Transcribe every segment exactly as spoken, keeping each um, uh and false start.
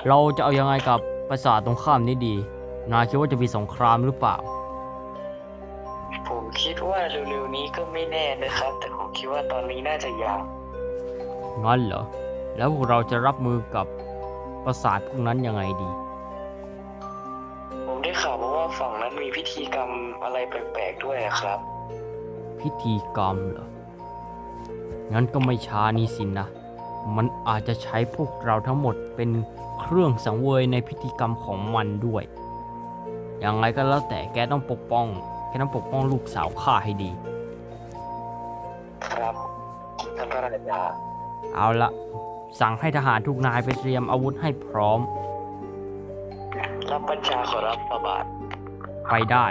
เราจะเอายังไงกับปราสาทตรงข้ามนี้ดีนายคิดว่าจะมีสงครามหรือเปล่าผมคิดว่าเร็วๆนี้ก็ไม่แน่นะครับแต่ผมคิดว่าตอนนี้น่าจะยากงั้นเหรอแล้วพวกเราจะรับมือกับปราสาทพวกนั้นยังไงดีผมได้ข่าวมาว่าฝั่งนั้นมีพิธีกรรมอะไรแปลกๆด้วยครับพิธีกรรมเหรองั้นก็ไม่ช้านี่สินะมันอาจจะใช้พวกเราทั้งหมดเป็นเครื่องสังเวยในพิธีกรรมของมันด้วยอย่างไรก็แล้วแต่แกต้องปกป้องแกต้องปกป้องลูกสาวข้าให้ดีครับท่านพระราชาเอาละสั่งให้ทหารทุกนายไปเตรียมอาวุธให้พร้อมรับบัญชาขอรับพระบาทไปได้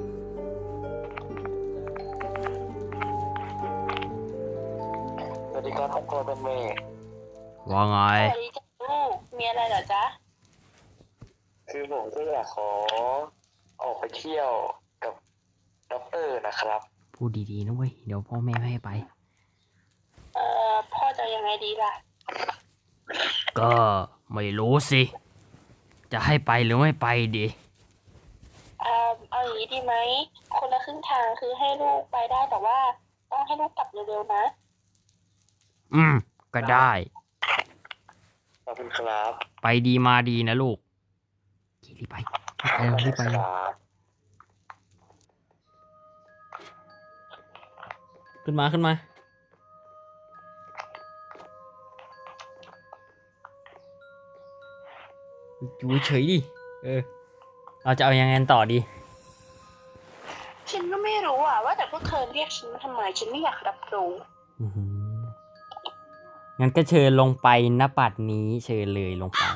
สวัสดีครับท่านพ่อท่านแม่ว่าไงสวัสดีจ้ะลูกมีอะไรเหรอจ๊ะคือผมก็อยากขอออกไปเที่ยวกับด็อกเตอร์นะครับพูดดีๆนะเว้ยเดี๋ยวพ่อแม่ไม่ให้ไปเอ่อพ่อจะยังไงดีล่ะก็ไม่รู้สิจะให้ไปหรือไม่ไปดีเอ่อเอาอย่างนี้ดีไหมคนละครึ่งทางคือให้ลูกไปได้แต่ว่าต้องให้ลูกกลับเร็วๆนะอืมก็ได้ขอบคุณครับไปดีมาดีนะลูกรีบไปไปรีบไปขึ้นมาขึ้นมาอยู่เฉยดิเออเราจะเอายังไงต่อดีฉันก็ไม่รู้อ่ะว่าแต่พวกเธอเรียกฉันมาทำไมฉันไม่อยากรับรู้งั้นก็เชิญลงไปณบัดนี้เชิญเลยลงไป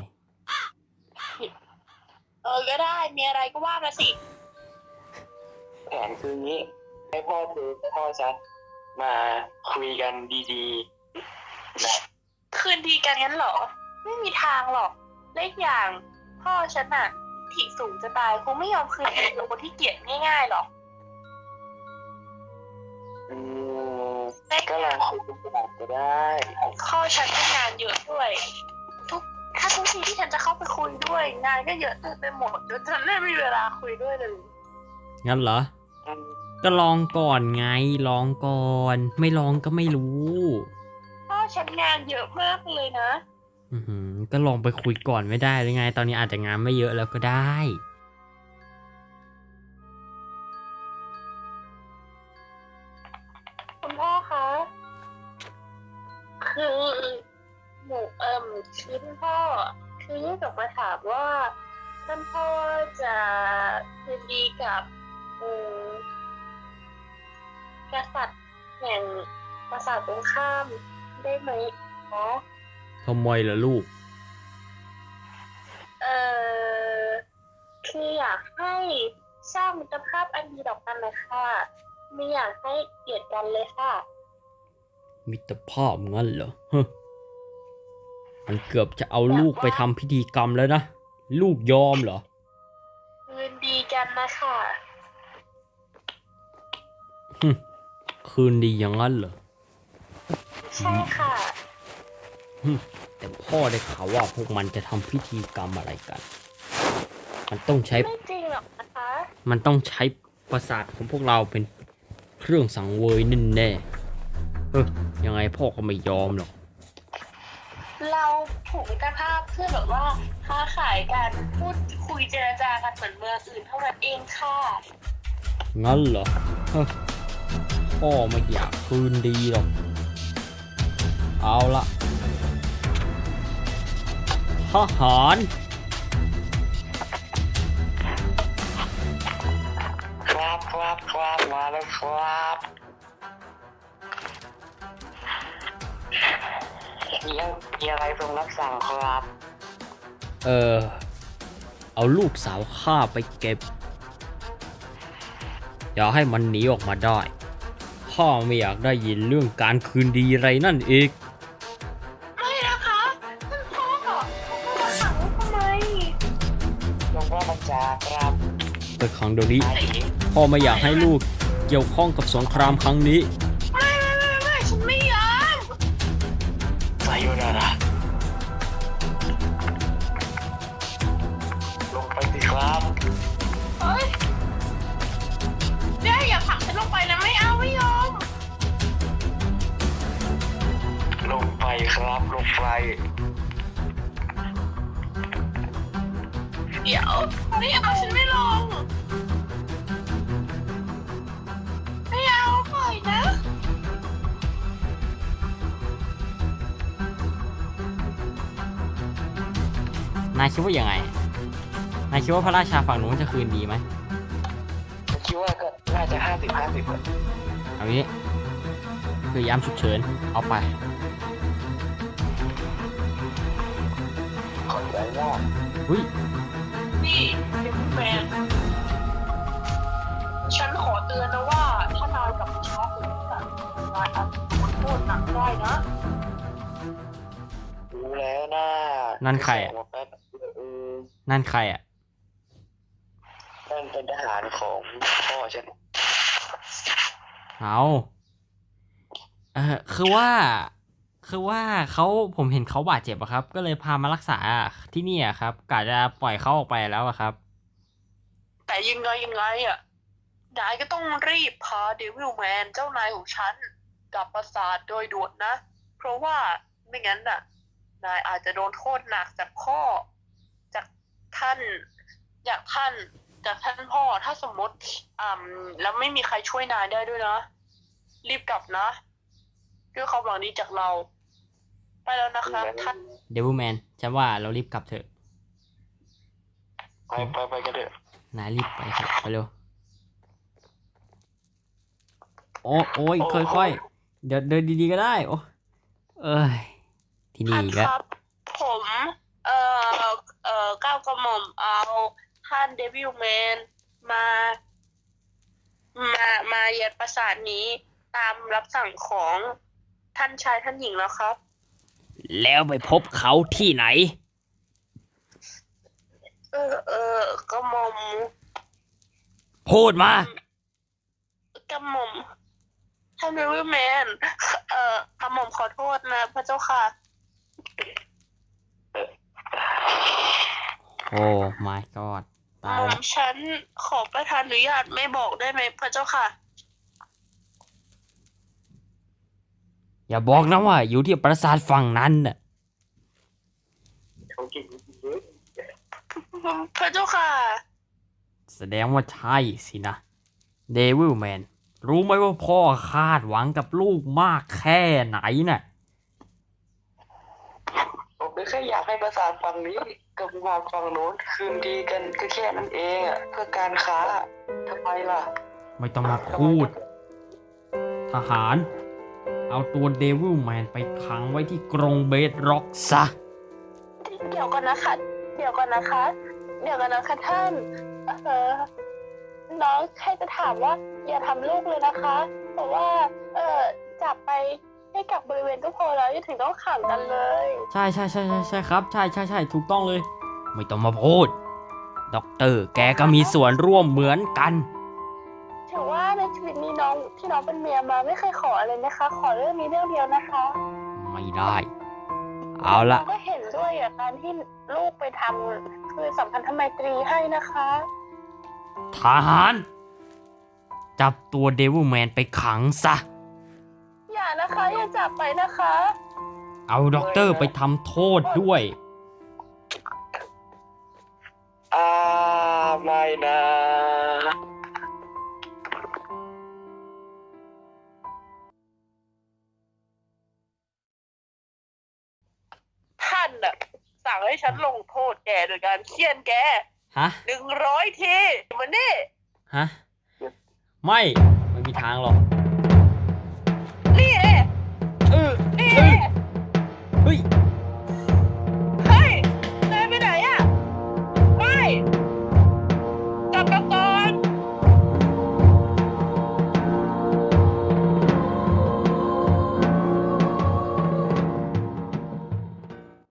เออก็ได้มีอะไรก็ว่ามาสิแผนคืองี้ให้พ่อคือพ่อชัดมาคุยกันดีๆนะคืนดีกันงั้นเหรอไม่มีทางหรอกเล็กอย่างพ่อฉันน่ะที่สูงจะตายคงไม่ยอมคืนดีกับคนที่เกลียดง่ายๆหรอกอืมก็ลองคุยกันก่อนก็ได้พ่อฉันก็งานเยอะด้วยทุกถ้าทุกทีที่ฉันจะเข้าไปคุยด้วยงานก็เยอะเต็มไปหมดจนฉันไม่มีเวลาคุยด้วยเลยงั้นเหรอก็ลองก่อนไงลองก่อนไม่ลองก็ไม่รู้พ่อฉันงานเยอะมากเลยนะอือหือก็ลองไปคุยก่อนไม่ได้หรือไงตอนนี้อาจจะงานไม่เยอะแล้วก็ได้คุณพ่อคะคือหนูเอิ่มคือคุณพ่อคืออยากมาถามว่าท่านพ่อจะคืนดีกับอืมกษัตริย์แห่งปราสาทตรงข้ามได้ไหมเนาะทำไมล่ะลูกเอ่อคืออยากให้สร้างมิตรภาพอันดีต่อกันเลยค่ะไม่อยากให้เกลียดกันเลยค่ะมิตรภาพงั้นเหรอฮะมันเกือบจะเอาลูกไปทำพิธีกรรมแล้วนะลูกยอมเหรอคืนดีกันนะคะคืนดีอย่างนั้นเหรอใช่ค่ะแต่พ่อได้ข่าวว่าพวกมันจะทำพิธีกรรมอะไรกันมันต้องใช้ไม่จริงหรอกนะคะมันต้องใช้ประสาทของพวกเราเป็นเครื่องสังเวยแน่แน่เออยังไงพ่อก็ไม่ยอมหรอกเราผูกมิตรภาพเพื่อแบบว่าค้าขายกันพูดคุยเจรจากันเหมือนเมืองอื่นเท่านั้นเองค่ะงั้นเหรอพ่อไม่อยากคืนดีหรอกเอาละทหารครับครับครับมาแล้วครับมีมีอะไรทรงรับสั่งครับเออเอาลูกสาวข้าไปเก็บอย่าให้มันหนีออกมาได้ข้าไม่อยากได้ยินเรื่องการคืนดีอะไรนั่นอีกไม่นะคะท่านพ่อเขามาขังทำไมหลวงพ่อบัญชาครับไปขังเดี๋ยวนี้พ่อไม่อยากให้ลูกเกี่ยวข้องกับสงครามครั้งนี้ไม่ไม่ไม่ไม่ฉันไม่ยอมไซโยนาระงไฟเดี๋ยวไม่เอาฉันไม่ลงไม่เอาปล่อยนะนายคิดว่ายังไง นายคิดว่าพระราชาฝั่งนู้นจะคืนดีไหมผมคิดว่าก็น่าจะห้าสิบห้าสิบเอางี้คือยามฉุกเฉินเอาไปขอใจว่าอุ้ยนี่เด็กแมนฉันขอเตือนนะว่าถ้านายกลับมาช้าเกินไปนายอาจจะโดนโทษหนักได้นะรู้แล้วนะนั่นใครอ่ะเออนั่นใครอ่ะนั่นเป็นทหารของพ่อฉันเอาเออคือว่า คือว่าเขาผมเห็นเขาบาดเจ็บอะครับ ก็เลยพามารักษาที่นี่อะครับกะจะปล่อยเขาออกไปแล้วอะครับแต่ยังไงยังไงอ่ะนายก็ต้องรีบพาเดวิลแมนเจ้านายของฉันกลับปราสาทโดยด่วนนะ เพราะว่าไม่งั้นน่ะ นายอาจจะโดนโทษหนักจากพ่อ จากท่านจากท่านจากท่านพ่อถ้าสมมติอ่าแล้วไม่มีใครช่วยนายได้ด้วยนะ รีบกลับนะด้วยความหวังดีจากเรา ไปแล้วนะครับท่านเดวิลแมนฉันว่าเรารีบกลับเถอะไปไปไปกันเถอะนายรีบไปเถอะไปเร็ว โอ้โอ้ยค่อยๆเดี๋ยวเดินดีๆก็ได้ โอ้เอ้ย ที่นี่ท่านอีกคแล้วรับ ผม เอ่อ เอ่อก้าวกระหม่อมเอาท่านเดวิลแมนมา มา มาเย็ดปราสาทนี้ตามรับสั่งของท่านชายท่านหญิงแล้วครับแล้วไปพบเขาที่ไหนเออ เออกระหม่อมพูดมากระหม่อมท่านเดวิลแมน เอ่อกระหม่อมขอโทษนะพระเจ้าค่ะโอ้ my god ตายหม่อละมฉันขอประทานอนุญาตไม่บอกได้ไหมพระเจ้าค่ะอย่าบอกนะว่าอยู่ที่ปราสาทฝั่งนั้นน่ะเขาเก่งจริงๆเลยพระเจ้าค่ะแสดงว่าใช่สินะ เดวิลแมน รู้ไหมว่าพ่อคาดหวังกับลูกมากแค่ไหนน่ะผมก็แค่อยากให้ประสาทฝั่งนี้กับประสาทฝั่งโน้นคืนดีกันก็แค่นั้นเองอ่ะเพื่อการค้าทำไมล่ะไม่ต้องมาพูด ทหาร เอาตัวเดวิลแมนไปขังไว้ที่กรงเบดร็อกซะเดี๋ยวก่อนนะคะ เดี๋ยวก่อนนะคะ เดี๋ยวก่อนนะคะท่าน เออน้องแค่จะถามว่า อย่าทำลูกเลยนะคะ เพราะว่า เออจับไปให้กับบริเวณก็พอแล้วอย่าถึงต้องขังกันเลยใช่ใช่ใช่ใช่ใช่ครับ ใช่ใช่ใช่ถูกต้องเลย ไม่ต้องมาพูด ด็อกเตอร์แกก็มีส่วนร่วมเหมือนกันถือว่าในชีวิตนี้น้องที่น้องเป็นเมียมาไม่เคยขออะไรนะคะ ขอเรื่องนี้เรื่องเดียวนะคะไม่ได้ เอาละน้งก็เห็นด้วยอ่ะการที่ลูกไปทำคือสัมพันธไมตรีให้นะคะทหาร จับตัวเดวิลแมนไปขังซะอย่านะคะอย่าจับไปนะคะเอาด็อกเตอร์ไปทำโทษด้วยอ่าไม่นะท่านน่ะสั่งให้ฉันลงโทษแกโดยการเคี่ยนแกฮะหนึ่งร้อยทีมันนี่ฮะ ไม่ ไม่มีทางหรอก